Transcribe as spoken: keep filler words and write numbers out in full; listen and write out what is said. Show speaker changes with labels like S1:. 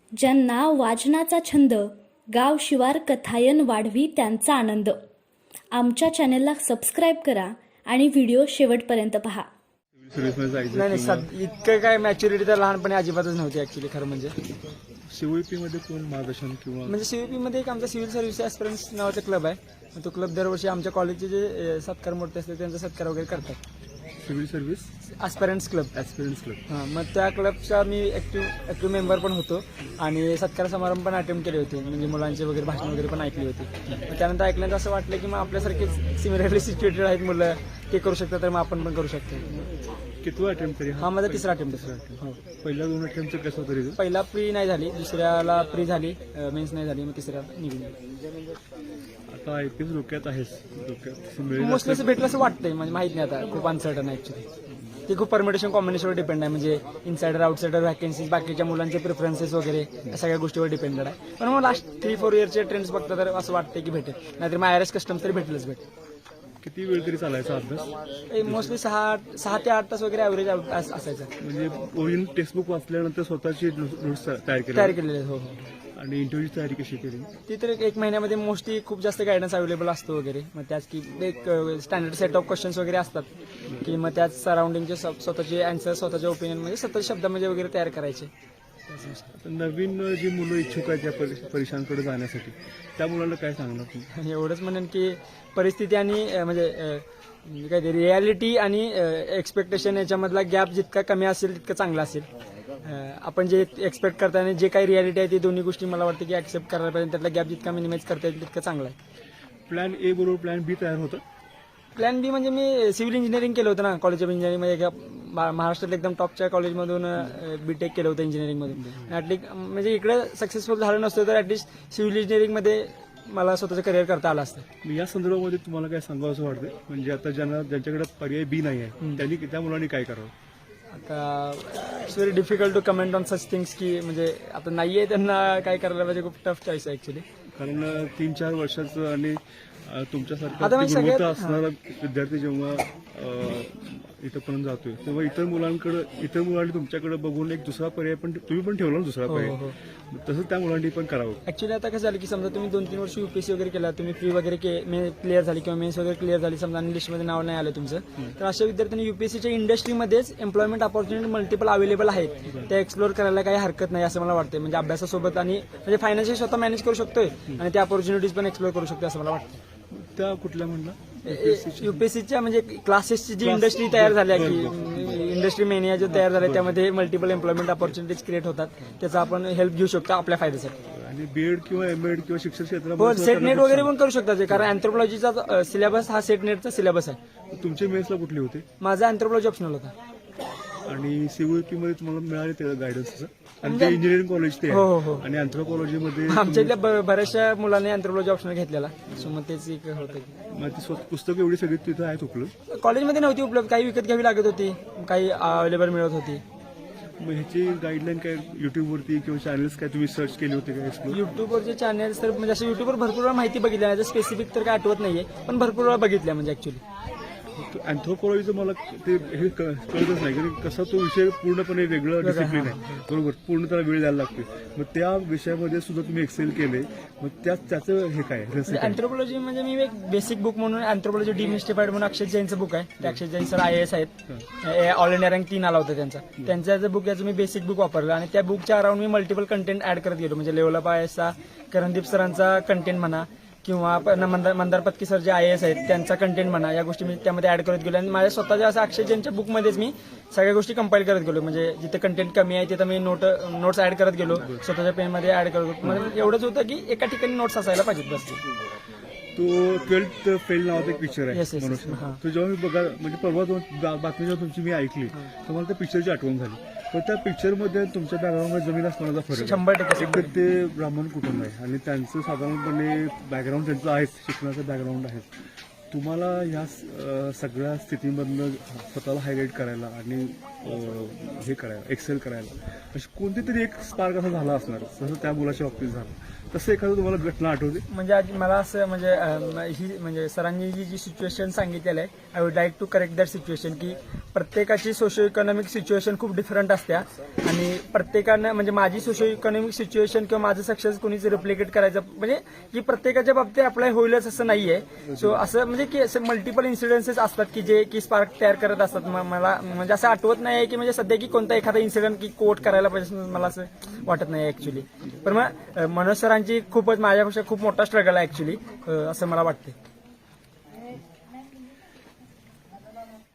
S1: ज्यांना वाचनाचा छंद, गाव शिवार कथायन वाढवी त्यांचा आनंद. आमच्या चॅनेलला सबस्क्राईब करा आणि व्हिडिओ शेवटपर्यंत पहा.
S2: नाही नाही सद इतकं काय मॅच्युरिटी तर लहानपणी अजिबातच नव्हती ऍक्च्युली खरं म्हणजे.
S3: सीओईपी मध्ये कोण मार्गदर्शन किंवा
S2: म्हणजे सीव्हीपी मध्ये एक आमचा सिव्हिल सर्व्हिस ॲस्पिरंट्स नावाचा क्लब आहे. तो क्लब दरवर्षी आमच्या कॉलेजचे जे सत्कार मोठे असते त्यांचा सत्कार वगैरे करतात.
S3: Civil service
S2: aspirants club
S3: experience club.
S2: हां, मग त्या क्लबचा मी ॲक्टिव्ह ॲक्टिव्ह मेंबर पण होतो आणि सत्कार समारंभ पण अटेंड केले होते. म्हणजे मुलांचे वगैरे भाषण वगैरे पण ऐकली होती. मग त्यानंतर ऐकल्यानंतर असं वाटलं की मग आपल्यासारखेच सिमिलरली सिच्युएटेड आहेत मुलं, ते करू शकतात तर मग आपण पण करू शकतो.
S3: कितवा अटेम्प्ट तरी
S2: हा माझा तिसरा अटेम्प्ट आहे.
S3: पहिल्या दोन अटेम्प्टचं कसं तरी
S2: पहिला प्री नाही झाली, दुसऱ्याला प्री झाली, मेन्स नाही झाली, मग तिसऱ्या निघून.
S3: आता आय पी एस डोक्यात आहेस डोक्यात मिळेल
S2: मोस्टली असं भेटलं असं वाटतंय, म्हणजे माहित नाही आता, खूप अनसर्टन आहे ऍक्च्युली. ते खूप परमिटेशन कॉम्बिनेशनवर डिपेंड आहे. म्हणजे इनसाइडर आउटसाइडर व्हॅकन्सीज, बाकीच्या मुलांचे प्रेफरन्सेस वगैरे या सगळ्या गोष्टीवर डिपेंडेड आहे. पण मग लास्ट थ्री फोर इयरचे ट्रेंड्स बघता तर असं वाटतं की भेटेल, नाहीतर मग आय आर एस कस्टम्स तरी भेटेलच भेटेल.
S3: किती वेळ तरी चालायचा अभ्यास?
S2: मोस्टली सहा सहा ते आठ तास वगैरे ॲव्हरेज असायचं.
S3: म्हणजे ओरिजिनल टेक्स्टबुक वाचल्यानंतर स्वतःची नोट्स तयार केली
S2: तयार केलेले. हो हो.
S3: आणि इंटरव्ह्यूची तयारी कशी केली?
S2: ती तर एक महिन्यामध्ये मोस्टली खूप जास्त गायडन्स अवेलेबल असतो वगैरे. मग त्याच की एक स्टँडर्ड सेट ऑफ क्वेश्चन्स वगैरे असतात की मग त्याच सराउंडिंगचे स्वतःचे अँसर, स्वतःच्या ओपिनियन म्हणजे स्वतः शब्दामध्ये वगैरे तयार करायचे.
S3: नवीन जी मुलं इच्छुक आहेत त्या परी- परीक्षांकडे जाण्यासाठी त्या मुलांना काय सांगणार तुम्ही?
S2: एवढंच म्हणेन की परिस्थिती आणि अं, म्हणजे अं, काय ते रियालिटी आणि एक्सपेक्टेशन याच्यामधला गॅप जितका कमी असेल तितकं चांगला असेल. अं, आपण जे एक्सपेक्ट करता आणि जे काही रियालिटी आहे ती दोन्ही गोष्टी मला वाटतं की ऍक्सेप्ट करायला पाहिजे. त्यातला गॅप जितका मिनिमाइज करता येईल तितकं चांगला आहे.
S3: प्लॅन ए बरोबर प्लॅन बी तयार होतं.
S2: प्लॅन बी म्हणजे मी सिव्हिल इंजिनिअरिंग केलं होतं ना, कॉलेज ऑफ इंजिनिअरिंग मध्ये एका महा- महाराष्ट्रात एकदम टॉपच्या कॉलेजमधून बीटेक केलं होतं इंजिनिअरिंगमधून. ऍटलीस्ट म्हणजे इकडे सक्सेसफुल झालं नसतं तर ऍटलीस्ट सिव्हिल इंजिनिअरिंगमध्ये मला स्वतःचं करिअर करता आलं असतं.
S3: मी या संदर्भामध्ये तुम्हाला काय सांगावं असं वाटतं? म्हणजे आता ज्यांना ज्यांच्याकडे पर्याय बी नाही आहे त्यांनी त्या मुलांनी काय करावं?
S2: आता it's very difficult to comment on such things की म्हणजे आता नाहीये त्यांना काय करायला पाहिजे. खूप टफ चॉईस आहे ऍक्च्युली.
S3: कारण तीन चार वर्षाचं आणि अ, तुमच्यासारखा
S2: आता म्हणजे
S3: गुणवत्ता
S2: सगळ्यात-
S3: असणारा विद्यार्थी जेव्हा अ, इथंपर्यंत जातोय तेव्हा इतर मुलांकडे इतर मुलांनी तुमच्याकडे बघून एक दुसरा पर्याय पण तुम्ही पण ठेवला ना दुसरा
S2: हो
S3: पर्याय,
S2: हो.
S3: तसं त्या मुलांनी पण करावं.
S2: ऍक्च्युली आता कसं झालं की समजा तुम्ही दोन तीन वर्ष युपीएससी वगैरे केला, तुम्ही फ्री वगैरे क्लिअर झाली किंवा मेन्स वगैरे क्लिअर झाली, समजा आणि लिस्टमध्ये नाव नाही आलं तुमचं, तर अशा विद्यार्थ्यांनी युपीएससीच्या इंडस्ट्रीमध्येच एम्प्लॉयमेंट ऑपॉर्च्युनिटी मल्टिपल अवेलेबल आहेत, त्या एक्सप्लोर करायला काही हरकत नाही असं मला वाटतं. म्हणजे अभ्यासासोबत आणि म्हणजे फायनान्शियल स्वतः मॅनेज करू शकतोय आणि त्या ऑपॉर्च्युनिटीज पण एक्सप्लोर करू शकतो असं मला वाटतं.
S3: त्या कुठल्या म्हणला?
S2: युपीएससीच्या म्हणजे क्लासेसची जी इंडस्ट्री तयार झाल्या की इंडस्ट्री मेनिया जो तयार झाल्या त्यामध्ये मल्टिपल एम्प्लॉयमेंट ऑपॉर्च्युनिटीज क्रिएट होतात, त्याचा आपण हेल्प घेऊ शकतो आपल्या फायद्यासाठी.
S3: आणि बीएड किंवा एमएड किंवा शिक्षण
S2: हो,
S3: क्षेत्रामध्ये
S2: सेट नेट वगैरे पण करू शकतात, कारण अँथ्रोपॉलॉजीचा सिलेबस हा सेट नेटचा सिलेबस आहे.
S3: तुमचे मेन्सला कुठले होते?
S2: माझा अँथ्रोपॉलॉजी ऑप्शनल होता.
S3: आणि सीओईपी मध्ये तुम्हाला मिळाले ते गायडन्स? आणि ते इंजिनिअरिंग कॉलेज ते
S2: हो हो हो.
S3: आणि अँथ्रोपॉलॉजी मध्ये
S2: आमच्या इथल्या ब- बऱ्याचशा मुलांनी अँथ्रोपॉलॉजी ऑप्शनल घेतलेला, सो मग तेच एक होतं.
S3: मग ती स्वतः पुस्तकं एवढी सगळी तिथं आहेत उपलब्ध?
S2: कॉलेजमध्ये नव्हती उपलब्ध, काही विकत घ्यावी लागत होती, काही अवेलेबल मिळत होती.
S3: मग ह्याची गाईडलाईन काय युट्यूबवरती किंवा चॅनल्स काय तुम्ही सर्च केले होते काय एक्सप्लोर?
S2: युट्यूबवरचे चॅनल्स तर म्हणजे असं युट्यूबवर भरपूर वेळा माहिती बघितली नाही, स्पेसिफिक तर काय आठवत नाहीये, पण भरपूर वेळा बघितल्या म्हणजे ऍक्च्युली.
S3: अँथ्रोपॉलॉजीचं मला ते हे क- कळतच नाही, कारण कसा तो विषय पूर्णपणे वेगळं डिसिप्लिन आहे, बरोबर, पूर्ण त्याला वेळ द्यायला लागते. मग त्या विषयामध्ये सुद्धा तुम्ही एक्सेल केले, मग त्या त्याचं हे काय रहस्य काय?
S2: अँथ्रोपॉलॉजी म्हणजे मी एक बेसिक बुक म्हणून अँथ्रोपॉलॉजी डिमिस्टिफाईड म्हणून अक्षय जैनचं बुक आहे. ते Akshay Jain sir I S आहेत, ऑल इंडिया रँक तीन आला होता त्यांचा. त्यांचं बुक याचं मी बेसिक बुक वापरलं आणि त्या बुकच्या अराउंड मी मल्टिपल कंटेंट ऍड करत गेलो. म्हणजे लेवल अप आय एसचा करणदीप सरांचा कंटेंट म्हणा किंवा प- मंदार मंदार पत्की सर जे आय एस आहेत त्यांचा कंटेंट म्हणा, या गोष्टी मी त्यामध्ये ऍड करत गेलो आणि माझ्या स्वतःच्या असं अक्षय जैनच्या बुकमध्येच मी सगळ्या गोष्टी कंपाईल करत गेलो. म्हणजे जिथे कंटेंट कमी आहे तिथं मी नोट नोट्स ऍड करत गेलो, स्वतःच्या पेनमध्ये ऍड करत गेलो. म्हणजे एवढंच होतं की एका ठिकाणी नोट्स असायला पाहिजेत बस.
S3: तो ट्वेल्थ फेल नावाचा एक पिक्चर आहे
S2: Yes, yes, yes.
S3: मनुष्य.
S2: हां.
S3: तो जेव्हा मी बघा म्हणजे परवा दोन बा- बातमी जेव्हा तुमची मी ऐकली तर मला त्या पिक्चरची आठवण झाली. पण त्या पिक्चरमध्ये तुमच्या बॅकग्राऊंडमध्ये जमीन असण्याचा फरक आहे.
S2: शंभर टक्के
S3: एक तर ते ब्राह्मण कुटुंब आहे आणि त्यांचं साधारणपणे बॅकग्राऊंड त्यांचं आहेच, शिक्षणाचं बॅकग्राऊंड आहे. तुम्हाला ह्या अ, सगळ्या स्थितीमधनं स्वतःला हायलाईट करायला आणि अ, हे करायला एक्सेल करायला अशी कोणती तरी एक स्पार्क असा झाला असणार, जसं त्या मुलाच्या बाबतीत झालं. तसं एखादं तुम्हाला घटना आठवते?
S2: म्हणजे आज मला असं म्हणजे अं, ही म्हणजे सरांनी जी जी सिच्युएशन सांगितलेलं आहे I would like to correct that situation की प्रत्येकाची सोशो इकॉनॉमिक सिच्युएशन खूप डिफरंट असत्या आणि प्रत्येकानं म्हणजे माझी सोशो इकॉनॉमिक सिच्युएशन किंवा माझं सक्सेस कोणीच रिप्लिकेट करायचं म्हणजे की प्रत्येकाच्या बाबतीत अप्लाय होईलच असं नाहीये. सो असं म्हणजे की असं मल्टिपल इन्सिडेन्सेस असतात की जे की स्पार्क तयार करत असतात. म- मला म्हणजे असं आठवत नाही की म्हणजे सध्या की कोणता एखादा इन्सिडेंट की कोट करायला पाहिजे मला असं वाटत नाही ऍक्च्युली. पण मग अं, मनोज सरांची खूपच माझ्यापेक्षा खूप मोठा स्ट्रगल आहे ऍक्च्युली असं मला वाटतं.